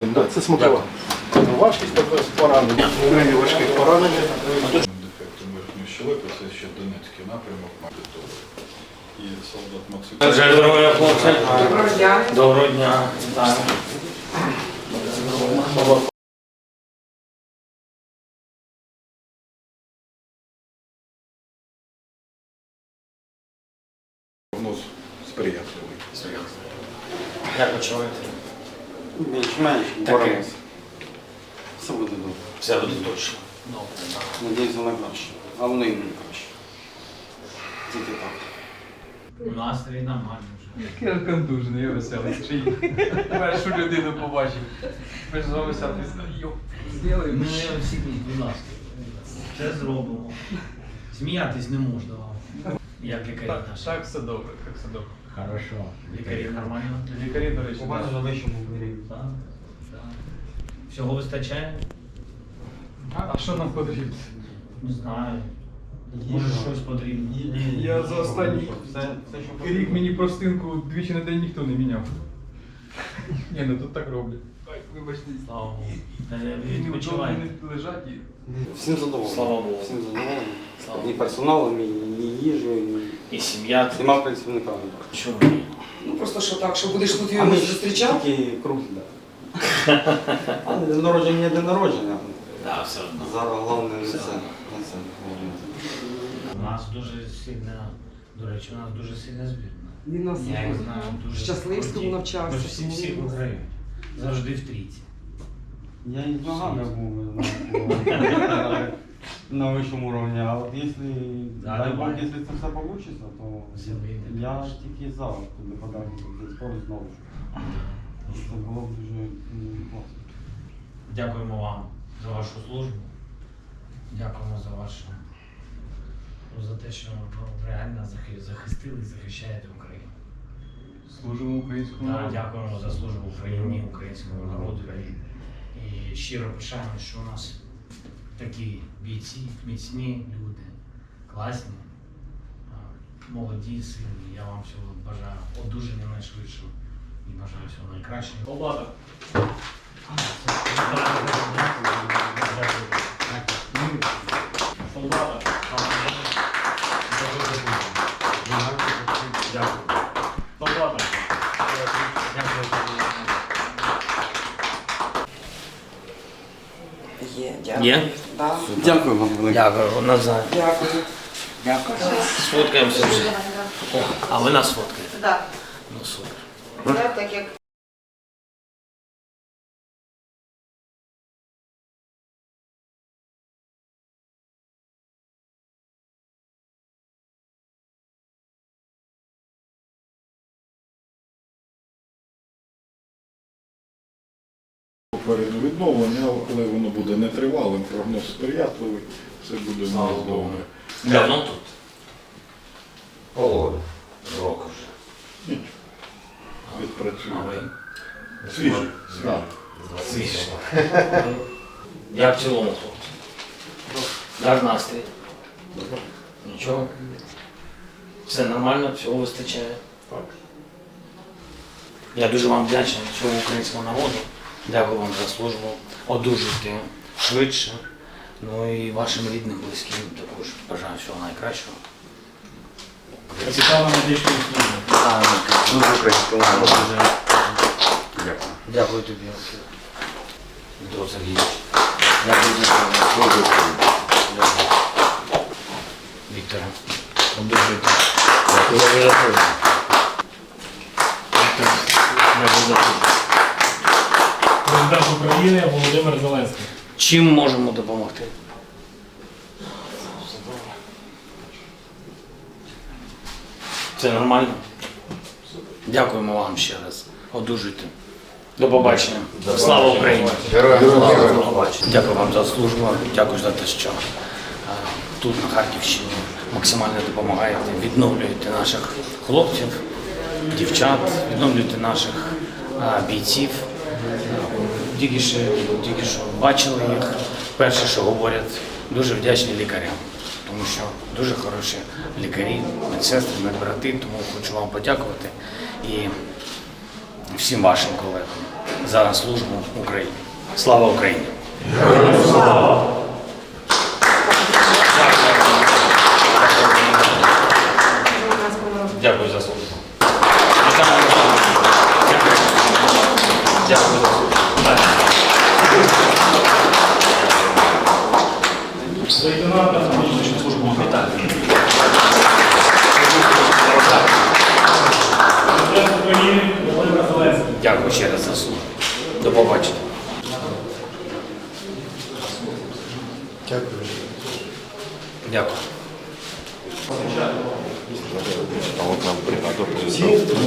Це смакова. Важкість також поранення. Крайні важких поранення. Дефектом верхньої щелепи, це ще Донецький напрямок Магдитовий. І солдат Максим. Здоров'я, хлопці. Доброго дня. Доброго дня. Так. Прогноз сприятливий. Як почуваєте? Більш-менш боремося. Все буде добре. Все буде точно. Добре. Надіюся на краще. А воно і не краще. Тільки так. Настрій нормальний вже. Я контужений, я веселий. Першу людину побачив. Ми ж з вами сяти зробимо. Ми всі, будь ласка, це зробимо. Сміятись не можна вам. Як лікарі наші. Так все добре, так все добре. Хорошо. Лікарі нормально? Лікарі, до речі, У мене на вищому рівні. Так. Так. Всього вистачає? А що нам потрібно? Не знаю. Може щось потрібно. Я за останній Все, що рік мені простинку двічі на день ніхто не міняв. Ні, ну тут так роблять. Ой, вибачте. Слава Богу. І Відпочивайте. не лежать і... Всім задоволений. Слава Богу. Всім задоволений. Слава І Богу. персоналом, і їжею, І сім'я. і всіма працівниками. Чому? Ну просто що так, що будеш тут А його ми зустрічав? тільки круг, так. А день народження є день народження. Так, все одно. Зараз головне не це. У нас дуже сильна, до речі, у нас дуже сильна збірна. Він нас Я їх знаю дуже. в Щасливському круті. навчався. Ми ж всі виграють. Завжди в трійці. Я і з ногами був, ви знаєте, на вищому рівні. А от якщо, Да, дай Бог, давай. якщо це все вийде, то Все вийде, я конечно. тільки за туди подав цей спорт знову ж. Це було б дуже класно. Дякуємо вам за вашу службу. Дякуємо за вашу, за те, що ви реально захистили і захищаєте Україну. Служимо українському Так, народу. дякуємо за службу Україні, українському народу. І щиро пишаємо, що у нас такі бійці, міцні люди, класні, молоді, сильні. Я вам всього бажаю одужання найшвидшого і бажаю всього найкращого. Облада. Солдата. Дякую. Солдата. Є, дякую. Є? Да. Дякую вам велике. Дякую, Назар. Дякую. Дякую. Сфоткаємося вже. О, а ви нас фоткаєте? Так, Ну супер. це так як Попереду відновлення, але воно буде нетривалим, прогноз сприятливий, все буде у нас добре. Давно тут? Полгода. Року вже. Відпрацює. А ви? Свіжий. Свіже. Як в цілому, хлопці? Як настрій? Нічого? Все нормально, всього вистачає? Так. Я дуже вам вдячний всьому українському народу. Дякую вам за службу. Одужуйте швидше. Ну і вашим рідним, близьким також бажаю всього найкращого. Цікаво медичну службу. Дуже українському народу. Дякую. Дякую тобі, Дмитро Сергійович. Дякую за службу. Дякую. Вікторе, одужуйте. Дякую за службу. Віктор, дякую за службу. Президент України Володимир Зеленський. Чим можемо допомогти? Це нормально? Дякуємо вам ще раз. Одужуйте. До побачення. Слава Україні! До побачення. Дякую вам за службу. Дякую за те, що тут, на Харківщині, максимально допомагаєте, відновлюєте наших хлопців, дівчат, відновлюєте наших бійців. Тільки що бачили їх. Перше, що говорять, дуже вдячні лікарям, тому що дуже хороші лікарі, медсестри, медбрати, тому хочу вам подякувати і всім вашим колегам. за службу Україні. Слава Україні! Дякую за службу. Дякую за службу. Лейтенанта внутрішню службу вітаю. Президент України Володимир Зеленський. Дякую ще раз за службу. До побачення. Дякую.